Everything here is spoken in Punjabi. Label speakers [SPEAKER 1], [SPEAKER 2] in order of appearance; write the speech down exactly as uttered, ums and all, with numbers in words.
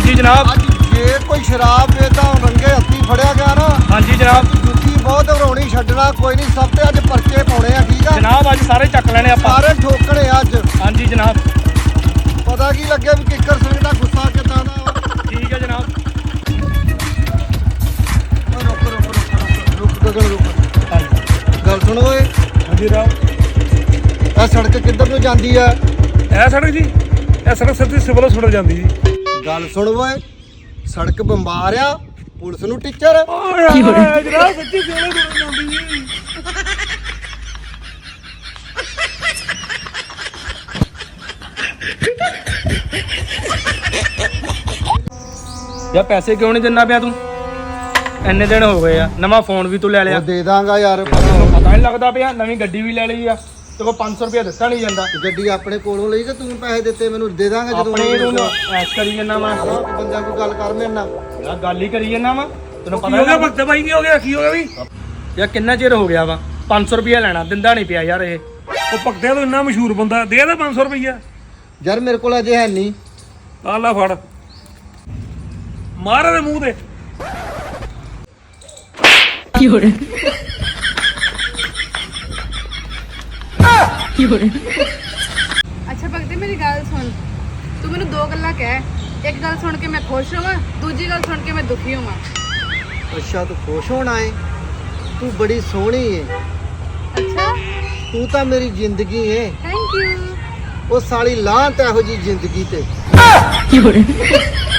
[SPEAKER 1] जी जनाब।
[SPEAKER 2] ਅੱਜ ਜੇ ਕੋਈ ਸ਼ਰਾਬ ਵੇਚਦਾ ਰੰਗੇ ਹੱਥੀ ਫੜਿਆ ਗਿਆ ਨਾ
[SPEAKER 1] हाँ जी जनाब।
[SPEAKER 2] ਜੁੱਤੀ ਬਹੁਤ ਘਰੋਣੀ ਛੱਡਣਾ ਕੋਈ ਨਹੀਂ ਸਭ ਤੇ ਅੱਜ ਪਰਚੇ ਪਾਉਣੇ ਆ ਠੀਕ ਆ
[SPEAKER 1] जनाब अज सारे चक लेने आप।
[SPEAKER 2] ਸਾਰੇ ਠੋਕਣੇ ਆ ਅੱਜ
[SPEAKER 1] हाँ जी जनाब।
[SPEAKER 2] ਪਤਾ ਕੀ ਲੱਗਿਆ ਵੀ ਕਿੱਕਰ ਸਿੰਘ ਦਾ ਗੁੱਸਾ ਕਿੱਦਾਂ ਦਾ ਵਾ।
[SPEAKER 1] ठीक है जनाब।
[SPEAKER 2] ਓ ਰੁਕ ਰੁਕ ਰੁਕ ਰੁਕ ਗਗਨ ਰੁਕ
[SPEAKER 1] हाँ जी।
[SPEAKER 2] ਗੱਲ ਸੁਣ ਓਏ
[SPEAKER 1] हाँ जी जनाब।
[SPEAKER 2] ਇਹ ਸੜਕ ਕਿੱਧਰ ਨੂੰ ਜਾਂਦੀ ਆ
[SPEAKER 1] ਇਹ ਸੜਕ ਜੀ, ਇਹ ਸੜਕ ਸਿੱਧੀ ਸਿਵਲ ਹਸਪਤਾਲ ਜਾਂਦੀ ਜੀ।
[SPEAKER 2] ਗੱਲ ਸੁਣ ਓਏ ਸੜਕ ਬੰਬਾਰ ਆ ਪੁਲਿਸ ਨੂੰ ਟੀਚਰ
[SPEAKER 1] ਕੀ ਹੋ ਰਿਹਾ ਜਨਾਬ? ਸੱਚੀ ਸਿਵਲ ਹਸਪਤਾਲ ਜਾਂਦੀ ਜੀ। ਯਾ ਪੈਸੇ ਕਿਉਂ ਨਹੀਂ ਦਿੰਦਾ ਪਿਆ ਤੂੰ? ਇੰਨੇ ਦਿਨ ਹੋ ਗਏ ਆ, ਨਵਾਂ ਫੋਨ ਵੀ ਤੂੰ ਲੈ ਲਿਆ।
[SPEAKER 2] ਉਹ ਦੇ ਦਾਂਗਾ ਯਾਰ
[SPEAKER 1] ਤੈਨੂੰ ਪਤਾ ਨਹੀਂ ਲੱਗਦਾ ਪਿਆ, ਨਵੀਂ ਗੱਡੀ ਵੀ ਲੈ ਲਈ ਆ, ਤੇ ਕੋ ਪੰਜ ਸੌ ਰੁਪਇਆ ਦਿੱਤਾ ਨਹੀਂ ਜਾਂਦਾ।
[SPEAKER 2] ਗੱਡੀ ਆਪਣੇ ਕੋਲੋਂ ਲਈ ਕਿ ਤੂੰ ਪੈਸੇ ਦਿੱਤੇ ਮੈਨੂੰ ਦੇ ਦਾਂਗਾ ਜਦੋਂ
[SPEAKER 1] ਆਪਣੇ ਨੂੰ ਐਸ਼ ਕਰੀ ਜੰਨਾ ਵਾ
[SPEAKER 2] ਬੰਦਿਆਂ ਕੋਈ ਗੱਲ ਕਰ ਮੇਰੇ ਨਾਲ
[SPEAKER 1] ਯਾਰ, ਗੱਲ ਹੀ ਕਰੀ ਜੰਨਾ ਵਾ। ਤੈਨੂੰ ਪਤਾ ਹੋ ਗਿਆ ਭਗਤ ਭਾਈ? ਕੀ ਹੋ ਗਿਆ? ਕੀ ਹੋ ਗਿਆ ਵੀ? ਯਾਰ ਕਿੰਨਾ ਚਿਰ ਹੋ ਗਿਆ ਵਾ, ਪੰਜ ਸੌ ਰੁਪਇਆ ਲੈਣਾ, ਦਿੰਦਾ ਨਹੀਂ ਪਿਆ ਯਾਰ। ਇਹ ਉਹ ਭਗਤਿਆ ਤੋਂ ਇੰਨਾ ਮਸ਼ਹੂਰ ਬੰਦਾ, ਦੇ ਦੇ ਪੰਜ ਸੌ ਰੁਪਇਆ।
[SPEAKER 2] ਯਾਰ ਮੇਰੇ ਕੋਲ ਅਜੇ ਹੈ ਨਹੀਂ।
[SPEAKER 1] ਆ ਲੈ ਫੜ, ਮਾਰ ਇਹਦੇ ਮੂੰਹ ਤੇ।
[SPEAKER 3] ਕੀ ਹੋ ਰਿਹਾ? ਕੀ ਹੋ ਰਿਹਾ?
[SPEAKER 4] ਅੱਛਾ ਭਗਤੇ ਮੇਰੀ ਗੱਲ ਸੁਣ, ਤੂੰ ਮੈਨੂੰ ਦੋ ਗੱਲਾਂ ਕਹਿ। ਇੱਕ ਗੱਲ ਸੁਣ ਕੇ ਮੈਂ ਖੁਸ਼ ਹੋਵਾਂ, ਦੂਜੀ ਗੱਲ ਸੁਣ ਕੇ ਮੈਂ ਦੁਖੀ ਹੋਵਾਂ।
[SPEAKER 2] ਅੱਛਾ ਤੂੰ ਖੁਸ਼ ਹੋਣਾ ਏ? ਤੂੰ ਬੜੀ ਸੋਹਣੀ ਏ।
[SPEAKER 4] ਅੱਛਾ
[SPEAKER 2] ਤੂੰ ਤਾਂ ਮੇਰੀ ਜ਼ਿੰਦਗੀ ਏ।
[SPEAKER 4] Thank you.
[SPEAKER 2] ਉਹ ਸਾਲੀ ਲਾਂਤ ਇਹੋ ਜੀ ਜ਼ਿੰਦਗੀ ਤੇ।
[SPEAKER 3] ਕੀ ਹੋ ਰਿਹਾ?